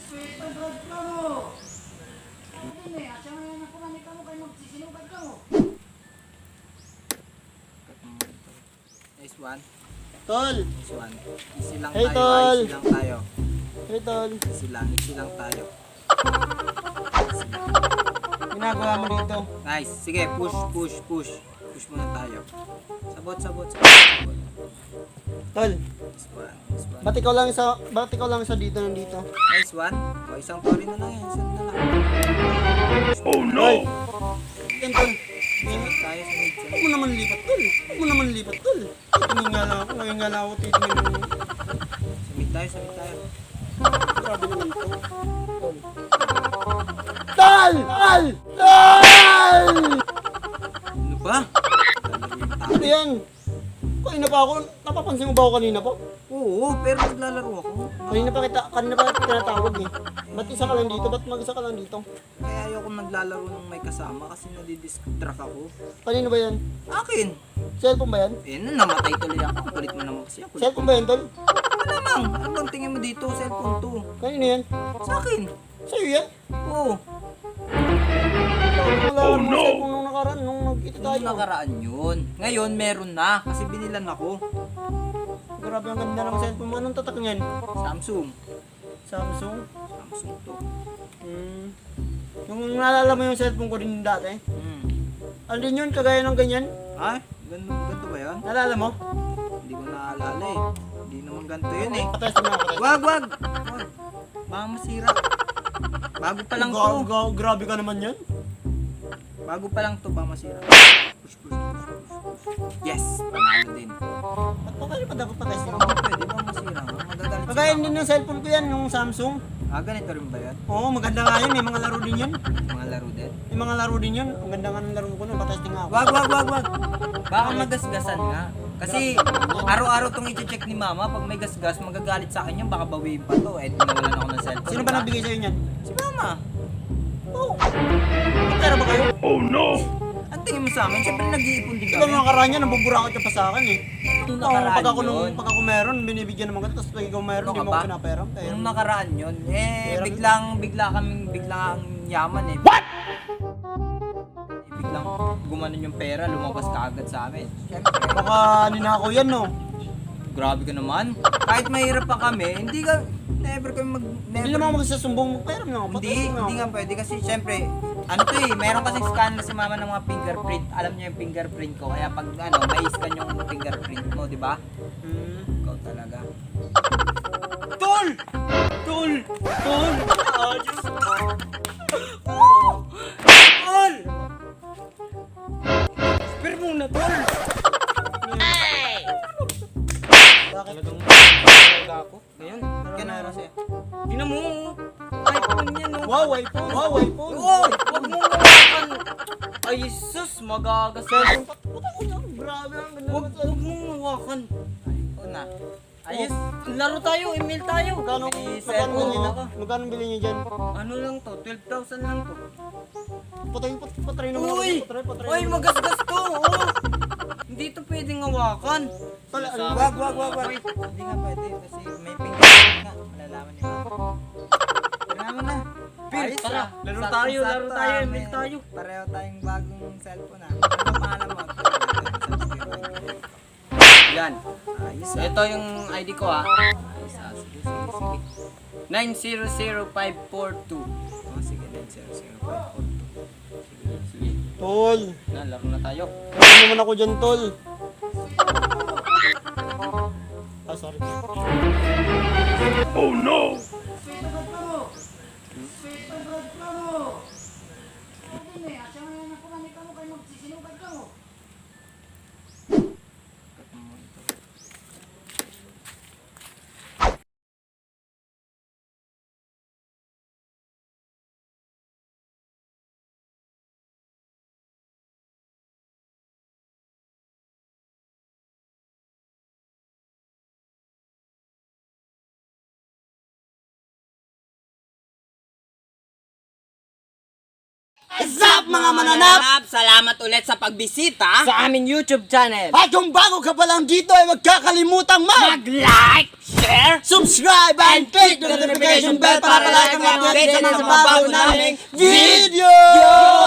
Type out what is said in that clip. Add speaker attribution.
Speaker 1: Nice one.
Speaker 2: Tol!
Speaker 1: Nice one. Easy lang
Speaker 2: Hey,
Speaker 1: tayo.
Speaker 2: tol.
Speaker 1: Easy lang tayo.
Speaker 2: Hey, Tol.
Speaker 1: Easy lang tayo.
Speaker 2: Ginagawa mo dito.
Speaker 1: Nice. Sige, push. Push muna tayo. Sabot.
Speaker 2: Tol,
Speaker 1: Nice one.
Speaker 2: ba't ikaw lang isa dito nandito?
Speaker 1: Nice one. O, isang pori na lang yan. Isang na lang.
Speaker 2: Oh no! Yan, Tol.
Speaker 1: Sabot tayo sa mid.
Speaker 2: Huwag mo naman lipat, Tol. Titingin nga lang ako. Ngayon nga lang ako titingin mo.
Speaker 1: Sa mid tayo.
Speaker 2: Grabe naman to. Tol!
Speaker 1: Ano ba?
Speaker 2: Ano yan? Kanina pa ako. Napapansin mo ba ako kanina pa?
Speaker 1: Oo, pero naglalaro ako.
Speaker 2: Kanina pa kita tinatawag eh. Ba't isa ka lang dito? Ba't mag-isa ka lang dito?
Speaker 1: Kaya ayoko naglalaro ng may kasama kasi nadidistract ako.
Speaker 2: Kanino ba yan?
Speaker 1: Akin!
Speaker 2: Cellphone ba yan?
Speaker 1: Eh, namatay tuloy ako. Kulit mo naman kasi ako.
Speaker 2: Cellphone ba yan, Tol?
Speaker 1: Malamang! Ano bang tingin mo dito? Cellphone to.
Speaker 2: Kanino yan?
Speaker 1: Sa akin!
Speaker 2: Sa'yo yan?
Speaker 1: Oo.
Speaker 2: Oh no! Nung nakaraan, nung nagkita tayo.
Speaker 1: Yung nakaraan yun. Ngayon, meron na. Kasi binilan ako.
Speaker 2: Grabe ang ganda ng cellphone mo. Anong tatak niyan?
Speaker 1: Samsung.
Speaker 2: Samsung?
Speaker 1: Samsung to.
Speaker 2: Yung naalala mo yung cellphone ko rin dati? Ano din yun? Kagaya ng ganyan?
Speaker 1: Ay, ganito ba yan?
Speaker 2: Naalala mo?
Speaker 1: Hindi ko naalala eh. Hindi naman ganito yun eh.
Speaker 2: Patestin mo ako.
Speaker 1: Wag! Baka masira. Bago pa lang to.
Speaker 2: Grabe ka naman yan.
Speaker 1: Bago pa lang to, baka masira. Push. Yes! Panalo din.
Speaker 2: Ba't pa kayo pa dapat patestin mo?
Speaker 1: Pwede ba masira? Magagalit
Speaker 2: Kagaya
Speaker 1: sila.
Speaker 2: din ng cellphone ko yan, yung Samsung.
Speaker 1: Ganito rin ba yan?
Speaker 2: Oo, maganda nga yun. May mga laro din yan.
Speaker 1: Mga laro din?
Speaker 2: May mga laro din yun. Ang ganda nga ng laro ko nun. Patesting nga ako.
Speaker 1: Wag! Baka magasgasan nga. Kasi araw-araw tong i-check ni mama. Pag may gasgas, magagalit sa akin yan. Baka bawiin pa to. Eh, nawalan ako ng cellphone.
Speaker 2: Sino ba nagbigay sa'yo niyan?
Speaker 1: Si mama.
Speaker 2: Oo. May pera ba kayo?
Speaker 1: Oh no! Ang tingin mo sa amin, syempre nag-iipon din
Speaker 2: Ikaw
Speaker 1: kami.
Speaker 2: mga karaan yan, nabuburakot ka pa sa akin eh.
Speaker 1: Nung
Speaker 2: Oo,
Speaker 1: nakaraan
Speaker 2: pag ako meron, binibigyan naman ka. Tapos pag ikaw meron,
Speaker 1: Ano
Speaker 2: hindi
Speaker 1: ka
Speaker 2: mo
Speaker 1: ba?
Speaker 2: ako pinapera.
Speaker 1: Nung nakaraan yun,
Speaker 2: Pero-
Speaker 1: biglang yaman eh. What? Biglang gumanon yung pera, lumabas ka agad sa amin. Syempre,
Speaker 2: Baka ninakaw yan no?
Speaker 1: grabe ka naman. Kahit mahirap pa kami, never kami
Speaker 2: Hindi naman ako magsasumbong mo. Pera mo na ako.
Speaker 1: Hindi nga pwede kasi syempre, ano to eh, meron kasing scanner si mama ng mga fingerprint. Alam niya yung fingerprint ko, kaya pag may-scan yung fingerprint mo, di ba? Ikaw talaga.
Speaker 2: Tol! Tol! Ayos! Tol! Spare muna, Tol! Bakit?
Speaker 1: Talaga ako. Ngayon, ganun kasi.
Speaker 2: Tingnan mo!
Speaker 1: iPhone yan, no?
Speaker 2: Wow, iPhone! Wow, iPhone!
Speaker 1: Uy! Huwag mong hawakan! Ay, sus! Magagas.
Speaker 2: Cellphone pa. Puta ko na. Grabe ang ganda
Speaker 1: Huwag
Speaker 2: naman sa
Speaker 1: mong hawakan. iPhone na. Ayos. Laro tayo, email tayo.
Speaker 2: Magkano
Speaker 1: May
Speaker 2: bilhin
Speaker 1: cellphone din ako.
Speaker 2: Magkano bilhin niyo dyan?
Speaker 1: Ano lang to? 12,000 lang to.
Speaker 2: Patry naman ako.
Speaker 1: Uy!
Speaker 2: Patry
Speaker 1: Uy,
Speaker 2: naman.
Speaker 1: magasgas to! Oh! Hindi to pwedeng hawakan.
Speaker 2: Tol, ano?
Speaker 1: Wag. Hindi nga pwede kasi may fingerprint nga. Malalaman niyo. Kailangan na.
Speaker 2: Pir,
Speaker 1: Ayos,
Speaker 2: tara.
Speaker 1: ah.
Speaker 2: Laro
Speaker 1: Sakto,
Speaker 2: tayo,
Speaker 1: sakto,
Speaker 2: email
Speaker 1: may-
Speaker 2: tayo.
Speaker 1: Pareho tayong bagong cellphone ah. Ano pangalan mo? Yan. Ayos ah. Ito yung ID ko ah. Ayos ah. Sige. 900542. Oh, sige, 900542. Sige.
Speaker 2: Tol,
Speaker 1: Laro na tayo.
Speaker 2: ano naman ako dyan, Tol? Sorry.
Speaker 1: Oh no!
Speaker 2: What's up mga mananap?
Speaker 1: Salamat ulit sa pagbisita sa aming YouTube channel.
Speaker 2: At kung bago ka pa lang dito ay huwag kakalimutang
Speaker 1: Mag-like, share,
Speaker 2: subscribe and click the notification bell para palagi kang update sa mga bago naming video!